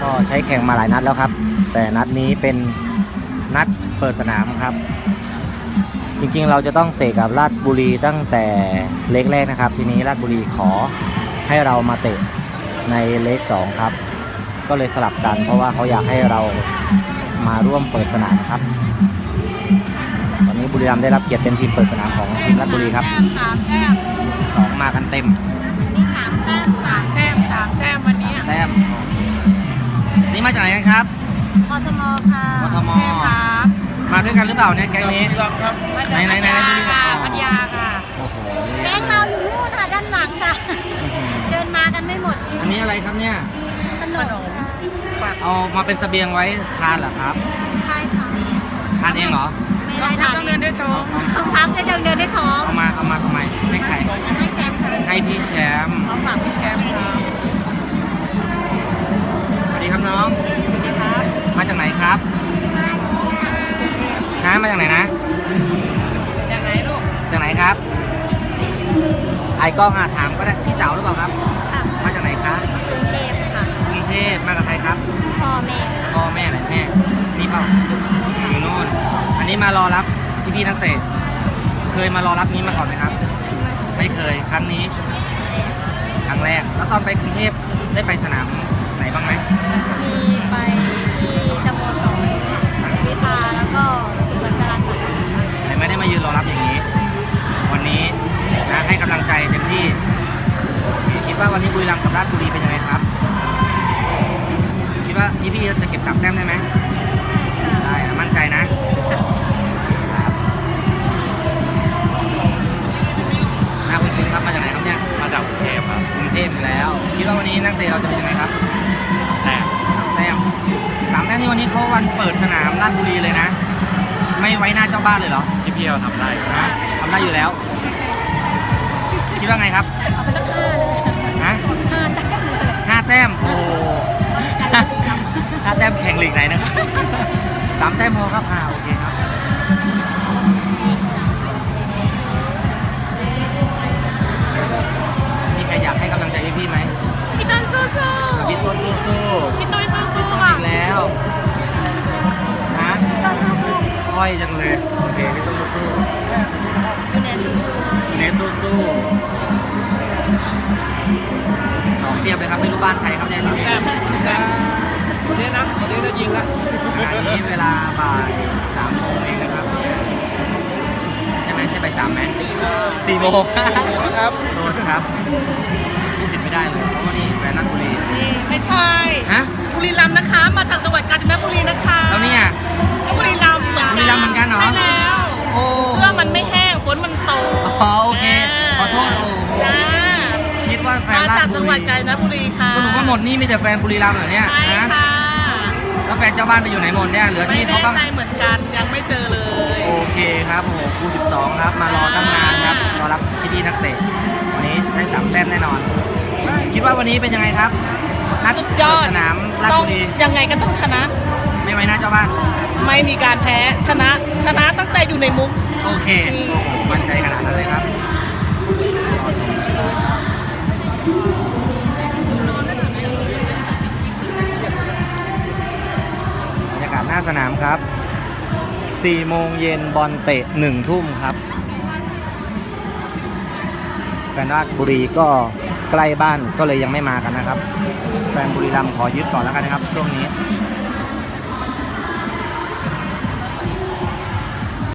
ก็ใช้แข่งมาหลายนัดแล้วครับแต่นัดนี้เป็นนัดเปิดสนามครับจริงๆเราจะต้องเตะกับราชบุรีตั้งแต่เล็กแรกนะครับทีนี้ราชบุรีขอให้เรามาเตะในเล็ก2ครับก็เลยสลับกันเพราะว่าเขาอยากให้เรามาร่วมเปิดสนามครับตอนนี้บุรีรัมย์ได้รับเกียรติเป็นทีมเปิดสนามของทีมราชบุรีครับ 3 แต้ม 2มากันเต็มนี่3 แต้ม3 แต้ม3 แต้มวันนี้แต้มนี่มาจากไหนกันครับกทมค่ะกทมครับมาด้วยกันหรือเปล่าเนี่ยแก๊งนี้ไหนพัทยาค่ะโอ้โหแก๊งเราอยู่นู่นค่ะด้านหลังค่ะเดินมากันไม่หมดอันนี้อะไรครับเนี่ยขนมเอามาเป็นเสบียงไว้ทานเหรอครับใช่ค่ะทานเองเหรอไม่ได้ทานต้องเดินด้วยท้องต้องพักให้เดินด้วยท้องเอามาทำไมให้ใครให้แชมป์ให้พี่แชมป์เอาฝากพี่แชมป์ครับสวัสดีครับน้องมาจากไหนครับมาจากไหนนะจากไหนลูกจากไหนครับไอ้กล้องถามก็ได้พี่สาวหรือเปล่าครับมาจากไหนครับกรุงเทพค่ะกรุงเทพมากับใครครับพ่อแม่ค่ะพ่อแม่ไหนแม่นี่เปล่าอยู่โน่นอันนี้มารอรับพี่นักเตะเคยมารอรับนี้มาก่อนไหมครับไม่เคยครั้งนี้ครั้งแรกแล้วตอนไปกรุงเทพได้ไปสนามไหนบ้างไหมมีไปที่สโมสรวิภาแล้วก็สุวรรณสลัดแต่ไม่ได้มายืนรอรับอย่างนี้วันนี้นะให้กำลังใจเต็มที่คิดว่าวันนี้บุรีรัมย์กับราชบุรีเป็นยังไงครับคิดว่าพี่จะเก็บ3 แต้มได้ไหมได้มั่นใจนะคุณครับมาจากไหนครับเนี่ยมาจากกรุงเทพครับกรุงเทพอยู่แล้วคิดว่าวันนี้นักเตะเราจะเป็นยังไงครับแต้ม 3 แต้มนี่วันนี้เขาวันเปิดสนามราชบุรีเลยนะไม่ไว้หน้าเจ้าบ้านเลยเหรอพี่เราทำได้ทำได้อยู่แล้วคิดว่าไงครับฮะ5 แต้มโอ้5 แต้มแข่งลีกไหนนะครับ3 แต้มพอครับโอเคครับมีใครอยากให้กำลังใจพี่ไหมพี่ต้นสู้ๆพี่ต้นสู้ๆพี่ตุ้ยสู้ๆค่ะอีกแล้วนะค่อยจังเลยโอเคพี่ต้นสู้ๆยูเนสสู้ๆเนสสู้ๆ2 เปรียบเลยครับไม่รู้บ้านใครครับเนี่ย3 แต้มวันนี้จะยิงละขณะนี้เวลาบ่าย3 โมงเองนะครับใช่ไหมใช่บ่าย3ไหม4 โมงครับโทษครับพูดผิดไม่ได้เลยเพราะว่านี่แฟนนักบุรีไม่ใช่บุรีรัมย์นะคะมาจากจังหวัดกาญจนบุรีนะคะแล้วเนี่ยบุรีรัมย์เหมือนกันเหรอใช่แล้วเสื้อมันไม่แห้งฝนมันตกโอเคขอโทษจ้าคิดว่าแฟนมาจากจังหวัดกาญจนบุรีค่ะสรุปว่าหมดนี่มีแต่แฟนบุรีรัมย์เหรอเนี่ยใช่ค่ะแล้วแฟนเจ้าบ้านไปอยู่ไหนหมดเนี่ยเหลือที่เขาบ้างไม่แน่ใจเหมือนกันยังไม่เจอเลยโอเคครับโอ้โหกู12ครับมารอตั้งนานครับรอรับพี่นักเตะวันนี้ได้3 แต้มแน่นอนคิดว่าวันนี้เป็นยังไงครับสุดยอดสนามราชบุรียังไงก็ต้องชนะไม่ไว้หน้าเจ้าบ้านไม่มีการแพ้ชนะตั้งแต่อยู่ในมุ้งโอเคมั่นใจขนาดนั้นเลยครับบรรยากาศหน้าสนามครับ4 โมงเย็นบอลเตะ1 ทุ่มครับแฟนราชบุรีก็ใกล้บ้านก็เลยยังไม่มากันนะครับแฟนบุรีรัมย์ขอยึดก่อนแล้วกันนะครับช่วงนี้